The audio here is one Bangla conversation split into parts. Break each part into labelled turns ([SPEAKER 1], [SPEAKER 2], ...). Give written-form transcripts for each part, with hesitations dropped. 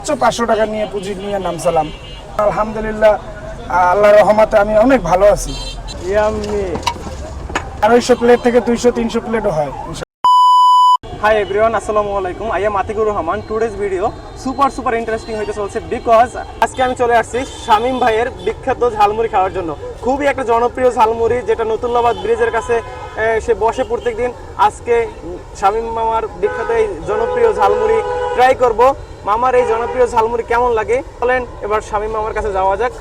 [SPEAKER 1] 500 টাকা নিয়ে পুঁজি নিয়ে নামছিলাম। আলহামদুলিল্লাহ, আল্লাহর রহমতে আমি অনেক ভালো আছি।
[SPEAKER 2] ইয়াম্মি
[SPEAKER 1] 250 প্লেট থেকে 200-300 প্লেটও হয়।
[SPEAKER 2] হাই এভরিওয়ান, আসসালামু আলাইকুম। I am Atikur Rahman. Today's video super interesting হইতে চলছে বিকজ আজকে আমি চলে আসছি শামীম ভাইয়ের বিখ্যাত ঝালমুড়ি খাওয়ার জন্য। খুবই একটা জনপ্রিয় ঝালমুড়ি, যেটা নতুল্লাবাদ ব্রিজের কাছে সে বসে প্রত্যেক দিন। আজকে শামীম মামার বিখ্যাত এই জনপ্রিয় ঝালমুড়ি ট্রাই করব। মামার এই জনপ্রিয় ঝালমুড়ি কেমন লাগে বলেন, এবার শামীম মামার কাছে যাওয়া যাক।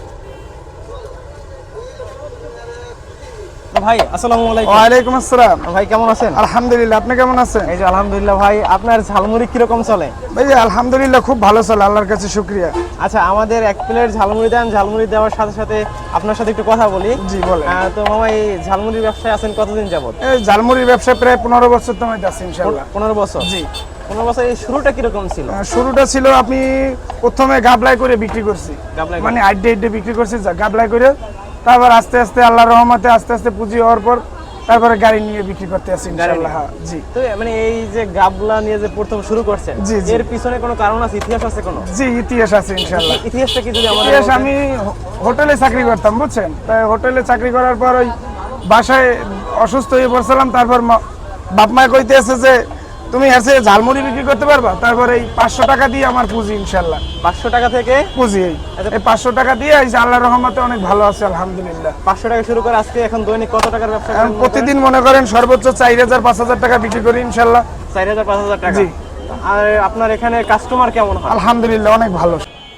[SPEAKER 2] ভাই আসসালামু আলাইকুম।
[SPEAKER 1] ওয়ালাইকুম আসসালাম।
[SPEAKER 2] ভাই কেমন আছেন?
[SPEAKER 1] আলহামদুলিল্লাহ, আপনি কেমন আছেন?
[SPEAKER 2] এই যে আলহামদুলিল্লাহ। ভাই আপনার ঝালমুড়ি কিরকম চলে?
[SPEAKER 1] ভাই আলহামদুলিল্লাহ খুব ভালো চলে, আল্লাহর কাছে শুকরিয়া।
[SPEAKER 2] আচ্ছা, আমাদের এক প্লেট ঝালমুড়ি দেন। ঝালমুড়ি দেওয়ার সাথে সাথে আপনার সাথে একটু কথা বলি।
[SPEAKER 1] জি বলেন।
[SPEAKER 2] তো মামা, এই ঝালমুড়ির ব্যবসায় আছেন কতদিন যাবত?
[SPEAKER 1] এই ঝালমুড়ির ব্যবসা প্রায় 15 বছর তো আমি আছি ইনশাআল্লাহ।
[SPEAKER 2] 15 বছর?
[SPEAKER 1] জি।
[SPEAKER 2] 15 বছর। এই শুরুটা কিরকম ছিল?
[SPEAKER 1] শুরুটা ছিল আমি প্রথমে গাবলাই করে বিক্রি করছি,
[SPEAKER 2] গাবলাই
[SPEAKER 1] মানে আড্ডে বিক্রি করছি গাবলাই করে। তারপর আস্তে আস্তে আল্লাহর রহমতে আস্তে আস্তে পুঁজি হওয়ার পর তারপরে গাড়ি নিয়ে বিক্রি করতে আসি ইনশাআল্লাহ। জি।
[SPEAKER 2] তো মানে এই যে গাবলা নিয়ে যে প্রথম শুরু করছেন,
[SPEAKER 1] জি, জি।
[SPEAKER 2] এর পিছনে কোনো কারণ আছে, ইতিহাস আছে কোনো?
[SPEAKER 1] জি, ইতিহাস আছে ইনশাআল্লাহ।
[SPEAKER 2] ইতিহাসটা কি যদি আমাদের
[SPEAKER 1] ইতিহাস, আমি হোটেলে চাকরি করতাম বুঝছেন। তাই হোটেলে চাকরি করার পর ওই বাসায় অসুস্থ হয়ে পড়ছিলাম। তারপর বাপ মা কইতে আছে যে তুমি এসে ঝালমুড়ি বিক্রি করতে পারবা। তারপর এই 500 টাকা দিয়ে আমার পুঁজি ইনশাআল্লাহ।
[SPEAKER 2] 500 টাকা থেকে
[SPEAKER 1] পুঁজি এই 500 টাকা দিয়ে এই যে আল্লাহর রহমতে অনেক ভালো আছে আলহামদুলিল্লাহ।
[SPEAKER 2] 500 টাকা শুরু করে আজকে এখন দৈনিক কত টাকার ব্যবসা
[SPEAKER 1] এখন
[SPEAKER 2] করেন?
[SPEAKER 1] প্রতিদিন মনে করেন সর্বোচ্চ 4000-5000 টাকা বিক্রি করি ইনশাআল্লাহ।
[SPEAKER 2] 4000-5000 টাকা?
[SPEAKER 1] জি।
[SPEAKER 2] আর আপনার এখানে কাস্টমার কেমন হয়?
[SPEAKER 1] আলহামদুলিল্লাহ অনেক ভালো।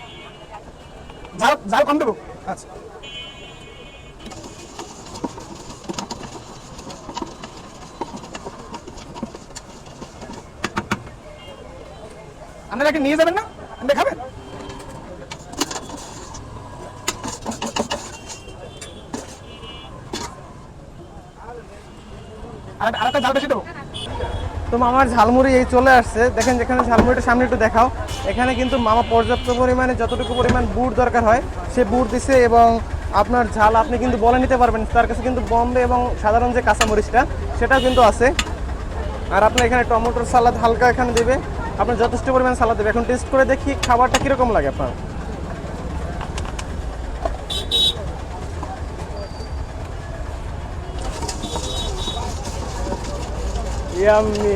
[SPEAKER 1] যাও কম দেবো। আচ্ছা, আপনারা কি নিয়ে যাবেন না? দেখাবেন? আরেকটা জাল বেশি দেবো।
[SPEAKER 2] তো মামার ঝালমুড়ি এই চলে আসছে। দেখেন, যেখানে ঝালমুড়িটা সামনে একটু দেখাও। এখানে কিন্তু মামা পর্যাপ্ত পরিমাণে যতটুকু পরিমাণ বুট দরকার হয় সে বুট দিছে, এবং আপনার ঝাল আপনি কিন্তু বলে নিতে পারবেন। তার কাছে কিন্তু বম্বে এবং সাধারণ যে কাঁচামরিচটা সেটাও কিন্তু আছে। আর আপনার এখানে টমেটোর সালাদ হালকা এখানে দেবে, আপনার যথেষ্ট পরিমাণ সালাদ দেবে। এখন টেস্ট করে দেখি খাবারটা কীরকম লাগে আপনার। ইয়াম্মি,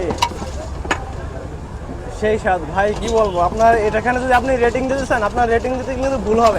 [SPEAKER 2] সেই স্বাদ ভাই, কি বলবো। আপনার এটাখানে যদি আপনি রেটিং দিতে চান, আপনার রেটিং দিতে কিন্তু ভুল হবে।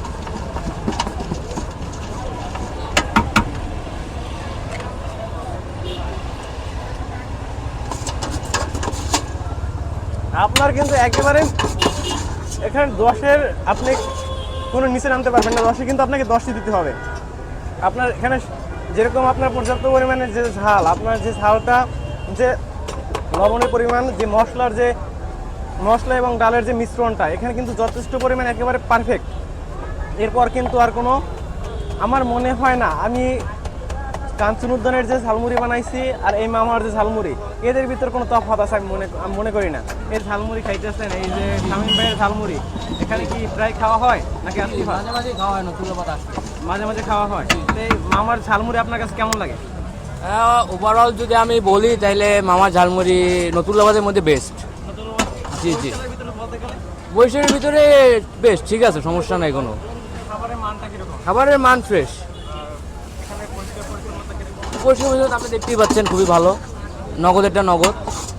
[SPEAKER 2] আপনার কিন্তু একেবারে এখানে 10-এর আপনি কোনো নিচে নামতে পারবেন না। 10-এ কিন্তু আপনাকে 10ই দিতে হবে। আপনার এখানে যেরকম আপনার পর্যাপ্ত পরিমাণে যে ঝাল, আপনার যে ঝালটা, যে লবণের পরিমাণ, যে মশলা এবং ডালের যে মিশ্রণটা, এখানে কিন্তু যথেষ্ট পরিমাণ একেবারে পারফেক্ট। এরপর কিন্তু আর কোনো, আমার মনে হয় না আমি কাঞ্চন উদ্যানের যে ঝালমুড়ি বানাইছি আর এই মামার যে ঝালমুড়ি, এদের ভিতর কোনো তফাৎ আছে আমি মনে করি না। এর ঝালমুড়ি খাইতেছেন, এই যে শামীম ভাইয়ের ঝালমুড়ি, এখানে কি প্রায় খাওয়া হয় নাকি আজকে
[SPEAKER 3] মাঝে মাঝে খাওয়া হয়, নতুল্লাবাদ আসছে।
[SPEAKER 2] মাঝে মাঝে খাওয়া হয়? তো এই মামার ঝালমুড়ি আপনার কাছে কেমন লাগে?
[SPEAKER 3] ওভারঅল যদি আমি বলি তাহলে মামার ঝালমুড়ি নতুল্লাবাদের মধ্যে বেস্ট। জি জি, বৈশাখের ভিতরে বেস্ট, ঠিক আছে, সমস্যা নাই কোনো।
[SPEAKER 2] খাবারের মানটা কিরকম?
[SPEAKER 3] খাবারের মান ফ্রেশ, পরিষ্কার আপনি দেখতেই পাচ্ছেন, খুবই ভালো। নগদেরটা নগদ।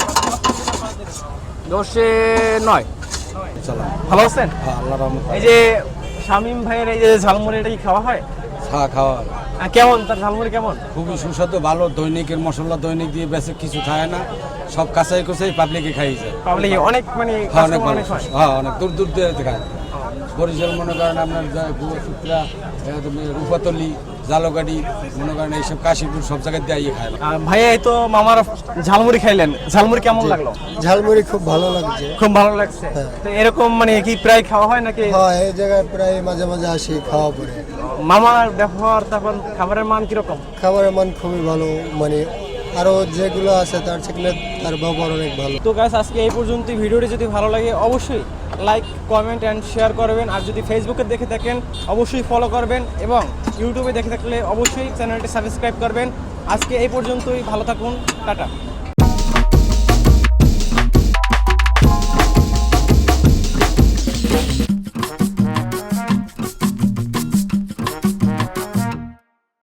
[SPEAKER 3] 10-এ 9।
[SPEAKER 2] ভালো আছেন?
[SPEAKER 4] আল্লাহর রহমতে
[SPEAKER 2] এই যে শামীম ভাইয়ের এই যে ঝালমুড়ি, এটা কি খাওয়া হয়?
[SPEAKER 4] খাওয়া
[SPEAKER 2] কেমন তার ঝালমুড়ি কেমন?
[SPEAKER 4] খুবই সুস্বাদু, ভালো। দৈনিকের মশলা দৈনিক দিয়ে বেশি কিছু খায় না, সব কাঁচাই কুচাই পাবলিকে খাই যায়।
[SPEAKER 2] পাবলিক অনেক, মানে
[SPEAKER 4] হ্যাঁ অনেক ভালো,
[SPEAKER 2] অনেক হয়।
[SPEAKER 4] হ্যাঁ অনেক দূর দূর দিয়ে খায়। বরিশাল মনে করেন আপনার সুত্রা, রূপাতলি, জালগাড়ি, মনে করেন এইসব কাশীপুর সব জায়গায় দিয়ে খায়।
[SPEAKER 2] ভাইয়া, এই তো মামার ঝালমুড়ি খাইলেন, ঝালমুড়ি কেমন লাগলো?
[SPEAKER 5] ঝালমুড়ি খুব ভালো লাগছে।
[SPEAKER 2] খুব ভালো লাগছে। তো এরকম মানে কি প্রায় খাওয়া হয় নাকি?
[SPEAKER 5] হ্যাঁ, এই জায়গায় প্রায় মাঝে মাঝে আসি খাওয়া পরে।
[SPEAKER 2] মামার ব্যবহার, তারপর খাবারের মান কিরকম?
[SPEAKER 5] খাবারের মান খুবই ভালো, মানে আরো যেগুলো আছে তার থেকে তার ব্যবহার অনেক ভালো।
[SPEAKER 2] তো গাইস, আজকে এই পর্যন্ত। ভিডিওটি যদি ভালো লাগে অবশ্যই লাইক, কমেন্ট অ্যান্ড শেয়ার করবেন। আর যদি ফেসবুকে দেখে থাকেন অবশ্যই ফলো করবেন, এবং ইউটিউবে দেখে থাকলে অবশ্যই চ্যানেলটি সাবস্ক্রাইব করবেন। আজকে এই পর্যন্তই, ভালো থাকুন, টাটা।